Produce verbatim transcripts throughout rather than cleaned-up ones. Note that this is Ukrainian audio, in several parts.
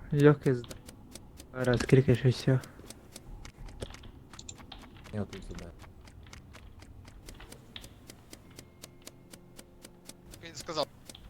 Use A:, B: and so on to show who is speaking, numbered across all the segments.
A: Легкий сда. Раз кликаешь и все.
B: Я тут сюда.
C: Я не сказав.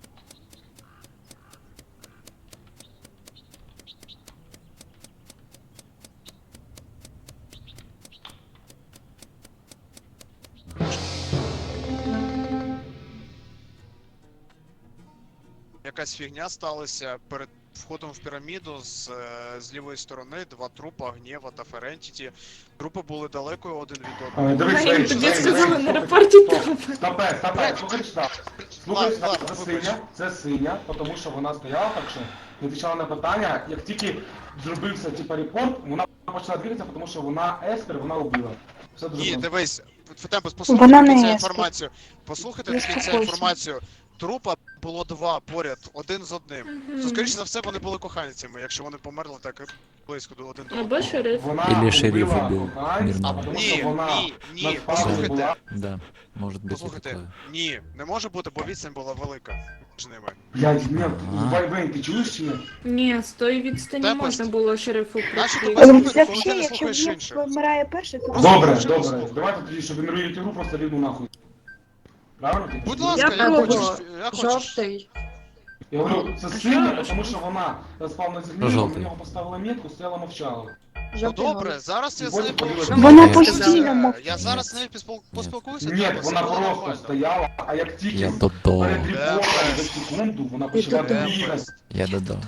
C: Якась фігня сталася перед входом в піраміду з, е, з лівої сторони, два трупа, Гнєва та Ферентіті. Трупи були далеко один від одного.
D: Е, Дивись,
E: Ай,
D: Вейн,
E: тобі
D: Вейн,
E: сказали
D: Вейн,
E: на
D: слухай,
E: рапорті
D: стоп,
E: трупи.
D: Стопе, стопе, слухай сюди. Слухай сюди,
C: Ладно,
D: це
C: вибач.
D: синя, це синя, тому що вона стояла так, що не відповідала на питання. Як тільки зробився типа репорт, вона почала двигатися, тому що вона еспер, вона убила. Все дуже
C: Ні,
D: просто.
C: дивись, Фетемпус,
F: Вона
C: послухайте
F: не
C: до кінця
F: є
C: інформацію. Послухайте до кінця
F: Заспокойся.
C: інформацію. Трупа було два поряд, один з одним.
E: Мгм.
C: То, скоріше за все, вони були коханцями, якщо вони померли так близько до один до одного.
E: Або шериф.
D: Вона
B: Или шериф
D: убила
B: убил
D: коханця,
B: мирного.
D: тому
C: Ні,
D: що вона
C: ні, ні,
D: на спавні
C: послухайте.
D: була.
B: Да, может быть и
C: Послухайте,
B: такое.
C: ні, не може бути, бо відстань була велика між ними.
D: Блядь, ні,
B: Ага.
D: Вейн, Вейн, ти чуєш чи ні?
E: Ні, з тої відстані
C: Та
E: можна
C: просто-
E: було шерифу
C: Наші
E: прийти.
C: тебе
F: Але
C: слухають, коли ти
F: взагалі,
C: не
F: якщо
C: слухаєш
F: він
C: інших.
F: помирає перший, то
C: Просто
D: Добре,
C: вже
D: добре,
C: послухай.
D: давайте тоді, щоб він руїть ігру, просто рівну нахуй. Правильно? типу?
C: Будь ласка,
E: Я
C: я хочу,
E: пробувала.
C: я хочу.
E: Жовтий.
D: Я говорю, це сильно, тому що вона спав на землі,
B: Жовтий.
D: на нього поставила метку, стояла мовчала.
C: Ну добре, зараз я з нею
D: Потім
C: поговорю.
D: подивилась.
F: Вона
B: Ні.
F: постійно мовчить.
C: Я зараз з
B: Ні.
C: нею поспіл- поспілкуюся.
D: Ні,
C: треба,
D: вона
C: все буде
D: просто
C: нормально.
D: стояла, а як тільки
B: Я додо.
D: перед репортом
C: Де
D: за секунду вона почала
E: додо.
D: бігати.
B: Я додо.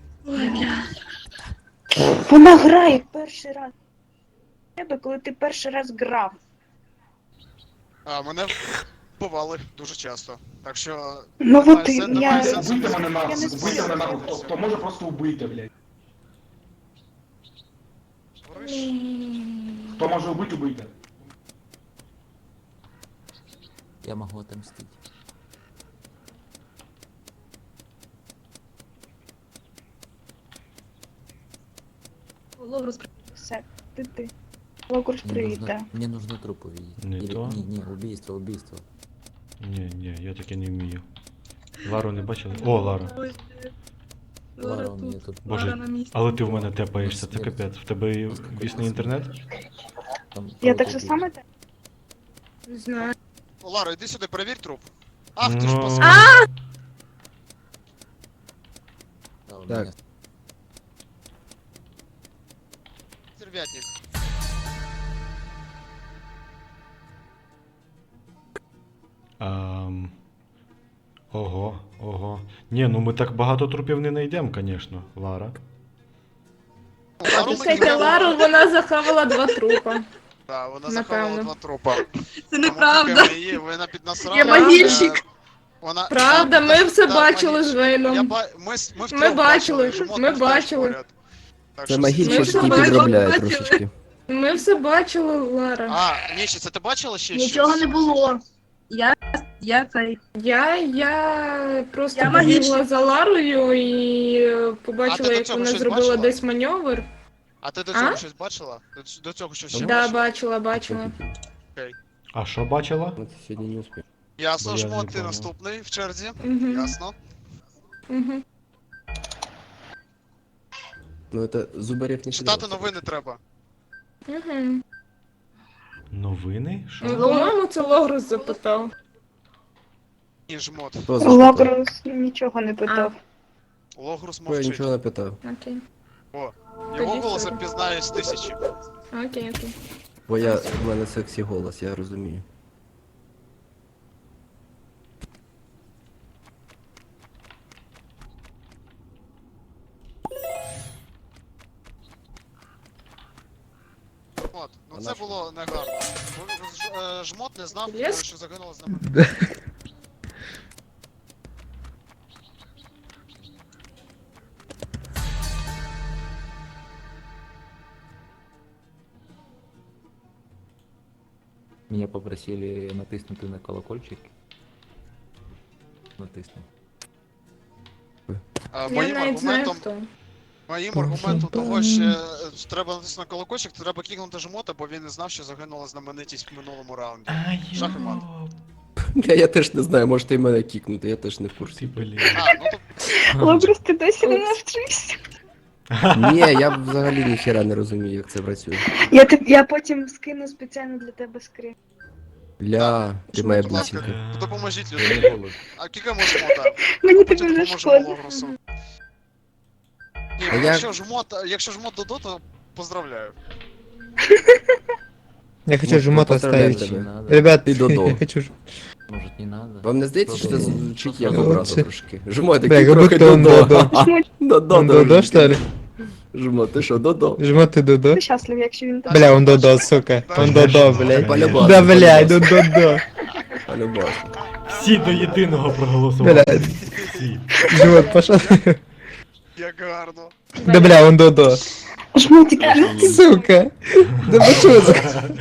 F: Вона грає перший раз. Тебе, коли ти перший раз грав.
C: А, мене вбивали дуже часто. Так що...
F: Ну
C: немає
F: от і
C: сен- немає
F: я-
C: сенсу
D: Убийте мене нахуй,
F: Я не
D: убийте мене нахуй,
F: знаю.
D: хто, хто може просто убийте, блядь.
C: Говориш?
D: Хто може убити, убийте.
B: Я могу отомстить.
F: Все, ти ти. Локурс,
B: Мне
F: привіт,
B: нужно,
F: да.
B: мне нужно труп увидеть.
G: Не
B: Или,
G: то.
B: не, не, убийство, убийство.
G: Ні, ні, я таке не вмію. Лару не бачили? О, Лара.
B: Лара у меня тут.
G: Боже, але ти в мене тепаєшся, це капець. В тебе і вісний інтернет?
B: Там
F: Я
B: кого-то
F: так же
B: убили.
F: саме так.
E: Не знаю.
C: Лара, іди сюди, перевір труп. Ах, ти ж
G: Ну.
C: пос...
B: Да, у
A: Так.
B: меня
C: Сервятник.
G: Ам... Ого, ого. Ні, ну ми так багато трупів не знайдемо, звісно, Лара.
C: Лару ми
E: Слухайте,
C: кидаємо.
E: Лару, вона захавала два трупа.
C: Так, вона
E: Напевно.
C: заховала два трупа.
H: Це неправда.
C: Тому поки її, вона піднасрала.
H: Я могильщик.
C: е, Вона...
E: Правда, ми
C: Так,
E: все
C: так,
E: бачили з
C: магічник. Я
E: Вейном.
C: ба... Ми, с- ми,
E: Ми
C: втрьох
E: бачили,
C: жмот
E: ми
C: був теж
E: бачили.
C: поряд. Так
I: Це
C: що
I: магічник,
E: Ми
I: який
E: все
I: підробляє
H: бачили.
I: трошечки.
E: Ми все бачили, Лара.
C: А, Нічі, це ти бачила ще
H: Нічого
C: щось?
H: не було. Я, я цей.
E: Я, я просто
H: Я
E: побігла
H: магічник.
E: за Ларою і е,
C: А ти
E: побачила,
C: до
E: як
C: цього
E: вона
C: щось
E: зробила
C: бачила?
E: десь маневр.
C: А ти до цього
E: А?
C: щось бачила? До, ц- до цього щось ще
E: Да,
C: бачила?
E: бачила, бачила.
G: А що бачила?
I: Ну, ти сьогодні не успів.
C: Ясно,
G: Бо я
C: жмот,
G: не
C: ти
G: понял.
C: наступний в черзі.
E: Угу.
C: Ясно.
E: Угу.
I: Ну, це зубарів не
C: Читати
I: підробляє.
C: новини треба.
E: Угу.
G: Новини? Що?
E: Ну, по-моєму, це Логрус запитав.
C: Ні, жмот.
I: Хто запитав?
F: Локурс нічого не питав.
C: Логрус
I: Бо я
C: мовчить.
I: нічого не питав.
E: Окей.
C: Його
E: Тоді
C: голос
E: все.
C: впізнаю з тисячі.
E: Окей, окей.
I: Бо я, в мене сексі голос, я розумію.
C: От, ну
I: А
C: це
I: на що?
C: було негарно. Бо ж- е, Жмот не знав,
E: Лес?
C: що загинула з нами.
B: Меня попросили натиснуть на колокольчик. Натисну.
C: А,
E: Я
C: Моїм
E: навіть знаю,
C: аргументом,
E: хто.
C: моїм аргументом того, що е, треба натиснути на колокольчик, то треба кікнути жмота, бо він не знав, що загинула знаменитість в минулому раунді. Шах і мат.
I: Я, я теж не знаю, можете і мене кікнути, я теж не в
G: Ти,
I: курсі.
G: блін.
C: А, ну то
F: Локурс, ти досі не навчився.
I: Ні, я взагалі ніхіра не розумію, як це працює.
F: Я, те- я потім скину спеціально для тебе скрин.
I: Ля, ти моя
C: Будь ласка,
I: бусинка.
C: допоможіть
B: Це
C: людині.
B: не голос.
C: А кілька може жмота?
F: Мені
C: Потім
F: тебе вже
C: допоможемо
F: шкода.
C: Логросу. Ні,
I: А я-
C: якщо жмот, якщо жмот Додо, то поздравляю.
A: Я хочу
I: Ну,
A: жмот
I: поздравляю
A: оставить.
I: тебе.
B: Не надо.
A: Ребят,
I: Ти Додо.
A: я хочу... ж-
B: Может, не надо?
I: Вам не здається, що це звучить як
A: Ну,
I: образа
A: це-
I: трошки? Жмо,
A: Бля,
I: такий
A: как
I: трохи
A: будто он
I: Додо.
A: Додо.
I: Додо,
A: Он Додо,
I: дружки.
A: что ли?
I: Жмо, ти що, Додо?
A: Жмот ты Додо?
F: Ти щасливий, якщо він так.
A: Бля, он Додо, сука. Он Додо, блядь.
I: Полюбас,
A: Да, блядь,
I: полюбас.
A: он Додо.
I: Полюбас.
G: Всі до єдиного проголосували.
A: Блядь,
G: Всі.
A: жмот, пошел.
C: Як гарно.
A: Да, бля, он Додо.
F: Жмотик,
A: Сука. Да почему?